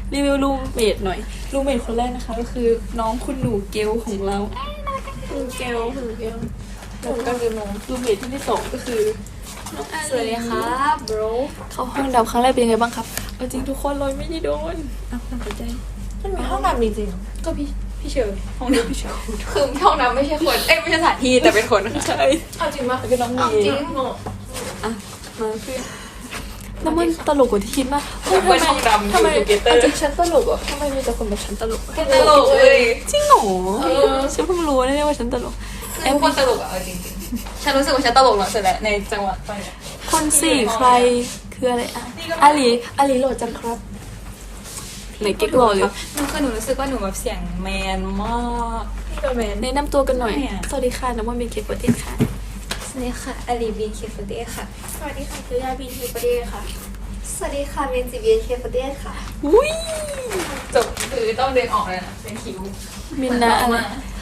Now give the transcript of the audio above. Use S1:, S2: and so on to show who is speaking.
S1: รีวิวรูมเมทหน่อยรูมเมทคนแรกนะคะก็คือน้องคุณหนูเกลของเราคุณเกลแล้วก็รูมเมทที่สองก็คือน้องอาลี
S2: สวัสดีครับบร
S1: เข้าห้องดำครั้งแรกเป็นยังไงบ้างครับเอาจริงทุกคนเลยไม่ได้โดนเอาความสนใจ
S2: มันมีห้องน้ำจริง
S1: ก็พี่เชอร์ห้องน้ำพี่เชอร์
S2: ๆคือห้องน้ำไม่ใช่คนไม่ใช่สถานที่แต่เป็นคน
S1: ใช่
S2: เอาจริงปะ
S1: แล้วก็น้องเม
S2: เอา
S1: ย์
S2: จริง
S1: อ่ะมาเพื่อนน้ำมันตลกกว่าที่คิดมาก
S2: เพื่อนห้องดำ
S1: ทำไม
S2: อยู่ Together
S1: อาจจะฉันตลกอ่ะทำไมมีแต่คนแบบฉันตลกอะ
S2: ตลกเลย
S1: จริงเหรอฉันเพิ่งรู้นะเนี่ยว่าฉันตลก
S2: คือทุกคนตลกอะเอาจริงๆฉันรู้สึกว่าฉันตลกเหรอเสร็จแล้วในจังหวะตอนเนี้ย
S1: คนสี่ใครคืออะไรอ่ะอาลีโหลดจังครับไหนเก๊กโหลดเลย
S2: มันคือหนูรู้สึกว่าหนูแบบเสียงแมนมาก
S1: แนะนำตัวกันหน่อย
S2: ไม่อะ
S1: สวัสดีค่ะน้ำมันเป็นเคปเทนค่ะ
S2: สวัสดีค่ะอาลีบีนเคฟเดค่ะ
S3: สวัสดีค่ะคือยาบีนเคปเดค่ะ สวัสดีค่ะเมนจิเบียนเคปเดค่ะ
S1: อุ้ย
S2: จบคือต้องเดินออกเลยนะเป็นคิว
S1: มินนะอะไร